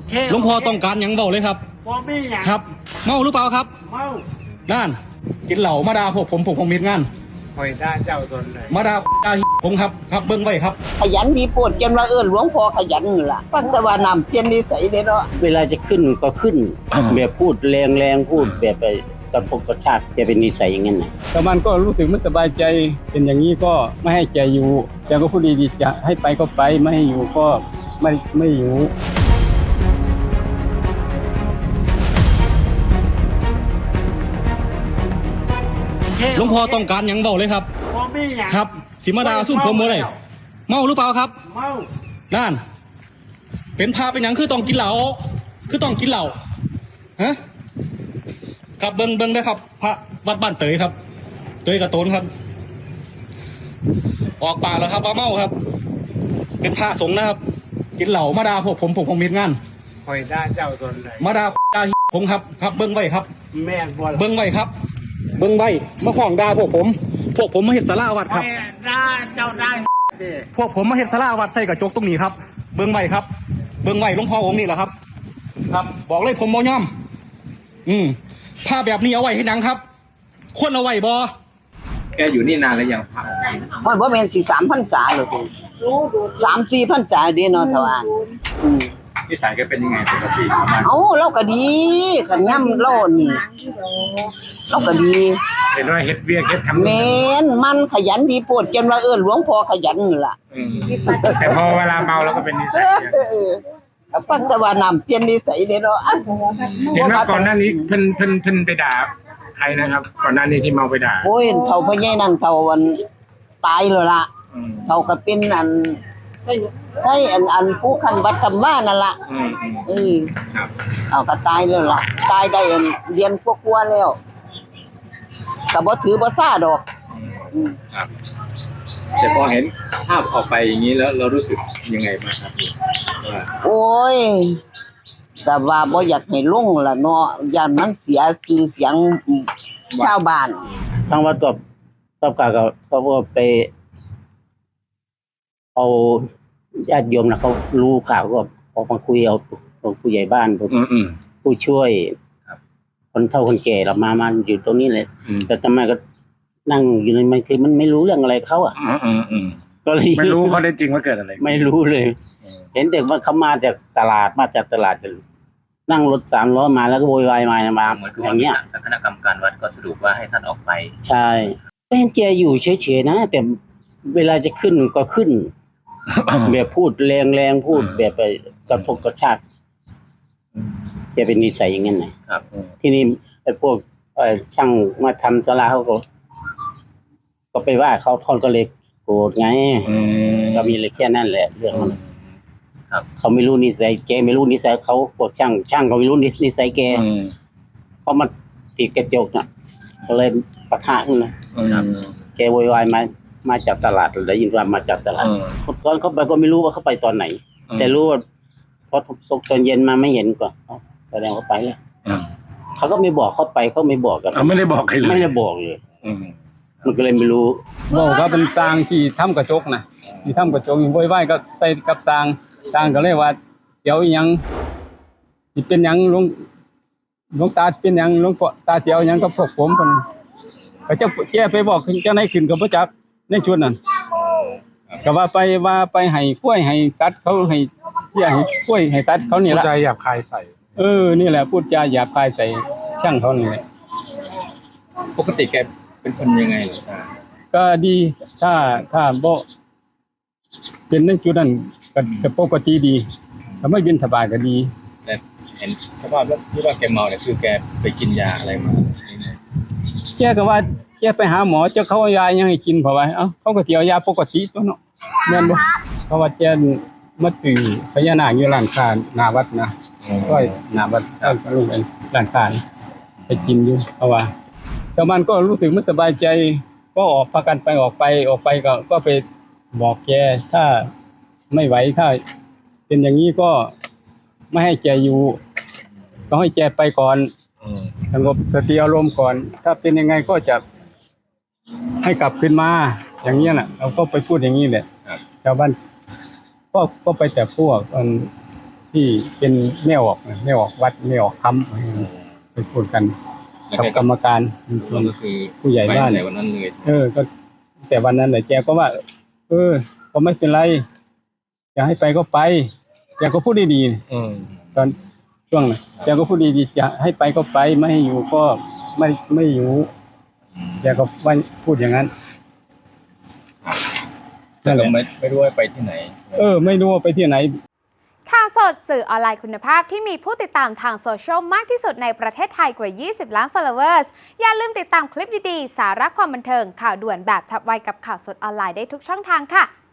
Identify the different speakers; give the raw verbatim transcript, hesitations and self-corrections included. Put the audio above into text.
Speaker 1: หลวงพ่อต้องการหยังเบาเลยครับครับเมาหรือเปล่าครับเมาด้านกินเหล้ามาด่าพวกผมพวกผมมีงาน
Speaker 2: คอยด่าเจ้าตนไหน
Speaker 1: มาด่าด่าผมครับครับเบิ้งไว้ครับ
Speaker 3: ขยันมีโปรดจนว่าเอิ้นหลวงพ่อขยันนี่ล่ะฟังแต่ว่านำเปลี่ยนนิสัยได้เนาะ
Speaker 4: เวลาจะขึ้นก็ขึ้นแบบพูดแรงๆพูดแบบไปกระพกกระชากจะเป็นนิสัยอย่างนั้นนะ
Speaker 5: แต่มันก็รู้สึกไม่สบายใจเป็นอย่างนี้ก็ไม่ให้แกอยู่แกก็พูดดีๆจะให้ไปก็ไปไม่ให้อยู่ก็ไม่ไม่อยู่
Speaker 1: หลวงพ่อต้องการหยังเบาเลยครับครับสิมาดาซุ่มผมบ่ได้เมาหรือเปล่าครับเมาด้านเป็นพาเป็นหยังคือต้องกินเหล้าคือต้องกินเหล้าฮะครับเบิ้งเบิ้งได้ครับพระวัดบ้านเตยครับเตยกระโตนครับออกปากแล้วครับว่าเมาครับเป็นพระสงฆ์นะครับกินเหล้ามาดาพวกผมพวกผมมีงาน
Speaker 2: คอยด่าเจ้าตนไหน
Speaker 1: มาดาด่าผมครับครับเบิ้งไว้ครับ
Speaker 2: แม่บ่
Speaker 1: เบิ้งไว้ครับเบิ้งไว้มาฟ้องด่าพวกผมพวกผมมาเฮ็ดศาลาวัดครับ
Speaker 2: ด่าเจ้าได้
Speaker 1: พวกผมมาเฮ็ดศาลาวัดใส่กระจกตรงนี้ครับเบิ้งไว้ครับเบิ้งไว้หลวงพ่อองค์นี้แหละครับครับบอกเลยผมบ่ยอมอืมผ้าแบบนี้เอาไว้ให้หนังครับควรเอาไว้บ่
Speaker 6: แกอยู่นี่นานแล้วยังพระ
Speaker 3: ฮอดบ่แม่นสิสามพรรษาหรอกสามสี่พรรษาเด้เนาะทว่าอืม
Speaker 6: นิสัยแกเป็นยังไงปกติ
Speaker 3: เอ้าเราก็ดีคันย่ำเรานี่เราก็ดี
Speaker 6: เห็นว่าเฮ็ดเวียกเฮ็ดทำ
Speaker 3: แม่นมันขยันมีโปรดจนว่าเอิ้นหลวงพ่อขยันนี่ล่ะ
Speaker 6: แต่พอเวลาเมาแล้วก็เป็นนิสัย
Speaker 3: ก็ฟังแต่ว่านำเปลี่ยนนิสัยได้เนาะ
Speaker 6: เห็นว่าก่อนหน้านี้เพิ่นเพิ่นเพิ่นไปด่าใครนะครับก่อนหน้านี้ที่เมาไปด่า
Speaker 3: โอ้ยเฒ่าพ่อใหญ่นั่นเฒ่าวันตายแล้วล่ะเฒ่าก็เป็นอันให้อันอันผู้คันวัดคำว่านั่นล่ะ
Speaker 6: อืม
Speaker 3: เออครับเอาก็ตายแล้วล่ะตายได้เรียนกว่าๆแล้วก็บ่ถือบ่ซ่าดอก
Speaker 6: ครับแต่พอเห็นภาพออกไปอย่างนี้แล้วเรารู้สึกยังไงบ้างครับ
Speaker 3: โอ้ยแต่ว่าบ่อยากให้ลงล่ะเนาะย่านมันเสียชื่อเสียงชาวบ้าน
Speaker 4: ทางวัดก็ทราบข่าวเขาก็ไปเอาญาติโยมนะเขารู้ข่าวก็ออกมาคุยเอาผู้ใหญ่บ้านผู้ช่วยคนเฒ่าคนแก่เรามามาอยู่ตรงนี้เลยแต่ทำไมก็นั่งอยู่ในมันคือมันไม่รู้เรื่องอะไรเขาอ่ะ
Speaker 6: ก็เลยไม่รู้เขาได้จริงว่าเกิดอะไร
Speaker 4: ไม่รู้เลยเห็นแต่ว่าเขามาจากตลาดมาจากตลาดจะนั่งรถสามล้อมาแล้วก็โวยวายมามาอย่างเงี้ย
Speaker 6: คณะกรรมการวัดก็สรุปว่าให้ท่านออกไป
Speaker 4: ใช่เป็นแกอยู่เฉยๆนะแต่เวลาจะขึ้นก็ขึ้นแบบพูดแรงๆพูดแบบไปกระพกกระชากจะเป็นนิสัยอย่างนั้นนะครับที่นี่ไอ้พวกช่างมาทำศาลาเขาก็ก็ไปว่าเขาเขาก็เลยโกรธไงก็มีเลยแค่นั้นแหละเรื่องมันครับเขาไม่รู้นิสัยแกไม่รู้นิสัยเขาพวกช่างช่างเขาไม่รู้นิสัยแกเขามาติดกระจกน่ะก็เลยปะทะกันนะแกโวยวายมามาจากตลาดได้ยินว่ามาจากตลาดตอนเขาไปก็ไม่รู้ว่าเขาไปตอนไหนแต่รู้ว่าพอตกตอนเย็นมาไม่เห็นก็แสดงว่าไปแล้วเขาก็ไม่บอกเขาไปเขาไม่บอกกัน
Speaker 6: ไม่ได้บอกใครเลย
Speaker 4: ไม่ได้บอกเลยมันก็เลยไม่รู้
Speaker 5: บอกก็เป็นสร้างที่ทำกระจกนะที่ทำกระจกอยู่โวยวายก็ไปกับสร้างสร้างก็เลยว่าเดี๋ยวยังที่เป็นยังหลวงหลวงตาเป็นยังหลวงพ่อตาเจียวยังก็พวกผมคนก็จะแก้ไปบอกเจ้าไหนขึ้นกับพระจักรในชุดนั้นก็ว่าไปว่าไปให้กล้วยให้ตัดเขาให้เที่ยให้กล้วยให้ตัดเขานี่แหละ
Speaker 6: พูดจาหยาบคายใส่
Speaker 5: เออนี่แหละพูดจาหยาบคายใส่ช่างเขานี่แหละ
Speaker 6: ปกติแกเป็นคนยังไง
Speaker 5: ก็ดีถ้าถ้าบ่เป็นในจุดนั้นก็ปกติดีถ้าไม่บินสบายก็ดี
Speaker 6: แต่เห็นสภาพแล้วที่ว่าแกเมาเนี่ยคือแกไปกินยาอะไรมา
Speaker 5: แกก็ว่าแกไปหาหมอเจ้าเขาเอายายังให้กินเพราะว่าเอ้าเขาก็สิเอายาปกติตัวเนาะแม่นบ่เพราะว่าแกมาซื้อพญานาคอยู่ร้านค้าหน้าวัดนะก็หน้าวัดก็ลงเป็นร้านค้าไปกินอยู่เพราะว่าชาวบ้านก็รู้สึกไม่สบายใจก็ออกพากันไปออกไปออกไปก็ก็ไปบอกแกถ้าไม่ไหวถ้าเป็นอย่างนี้ก็ไม่ให้แกอยู่ต้องให้แกไปก่อนสงบสติอารมณ์ก่อนถ้าเป็นยังไงก็จะให้กลับขึ้นมาอย่างนี้แหละเราก็ไปพูดอย่างนี้แหละชาวบ้านก็ก็ไปแต่พวกที่ที่เป็นแม่ออกนะแม่ออกวัดแม่ออกคำไปพูดกัน
Speaker 6: แล้ว
Speaker 5: กับ
Speaker 6: แก
Speaker 5: กรรมการ
Speaker 6: ก็คือ
Speaker 5: ผู้ใหญ่บ้าน
Speaker 6: ไปในวันนั้นเลย
Speaker 5: เออ ก็ แต่วันนั้นแหละแกก็ว่า เออ ก็ไม่เป็นไรอยากให้ไปก็ไปแกก็พูดดีๆ
Speaker 6: อืม
Speaker 5: ตอนช่วงนั้นแกก็พูดดีๆจะให้ไปก็ไปไม่ให้อยู่ก็ไม่ไม่อยู่แกก็ว่าพูดอย่างนั้น
Speaker 6: แต่ก็ไม่ไม่รู้ว่าไปที่ไหน
Speaker 5: เออ ไม่รู้ว่าไปที่ไหน
Speaker 7: ข่าวสดสื่อออนไลน์คุณภาพที่มีผู้ติดตามทางโซเชียลมากที่สุดในประเทศไทยกว่า ยี่สิบ ล้าน followers อย่าลืมติดตามคลิปดีๆ สาระความบันเทิงข่าวด่วนแบบฉับไวกับข่าวสดออนไลน์ได้ทุกช่องทางค่ะ